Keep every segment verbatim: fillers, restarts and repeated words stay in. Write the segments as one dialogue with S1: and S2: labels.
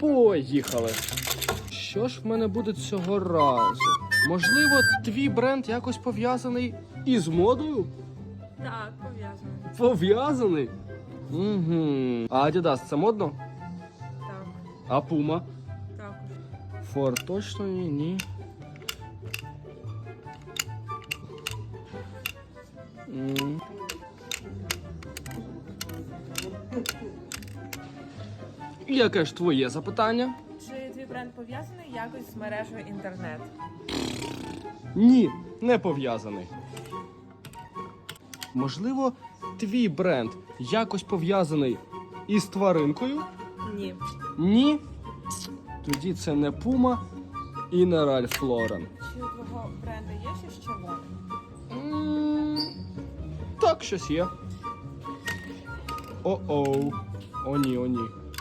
S1: Поїхали. Що ж в мене буде цього разу? Можливо, твій бренд якось пов'язаний із модою?
S2: Так, пов'язано.
S1: Пов'язаний? Угу. А Adidas це модно?
S2: Так,
S1: А Puma?
S2: також.
S1: Фор точно ні, ні. М. Яке ж твоє запитання?
S2: Чи твій бренд пов'язаний якось з мережею інтернет?
S1: Ні, не пов'язаний. Можливо, твій бренд якось пов'язаний із тваринкою?
S2: Ні.
S1: Ні. Тоді це не Puma і не Ralph Lauren.
S2: Чи у твого бренду є щось червоне?
S1: М, Так, щось є. О-оу. О, ні, о, ні.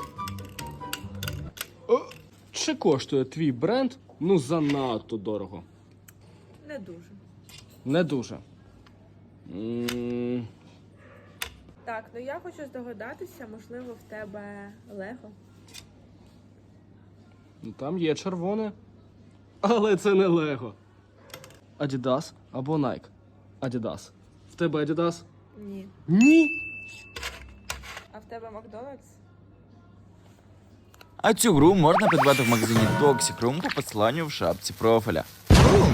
S1: О, чи коштує твій бренд, ну, занадто дорого?
S2: Не дуже.
S1: Не дуже. М,
S2: Так, ну я хочу здогадатися, можливо, в тебе Лего?
S1: Ну, там є червоне. Але це не Лего. Adidas або Nike? Adidas. В тебе Adidas?
S2: Ні.
S1: Ні.
S2: А в тебе Макдональдс?
S3: А цю гру можна придбати в магазині Toxic Room по посиланню в шапці профіля.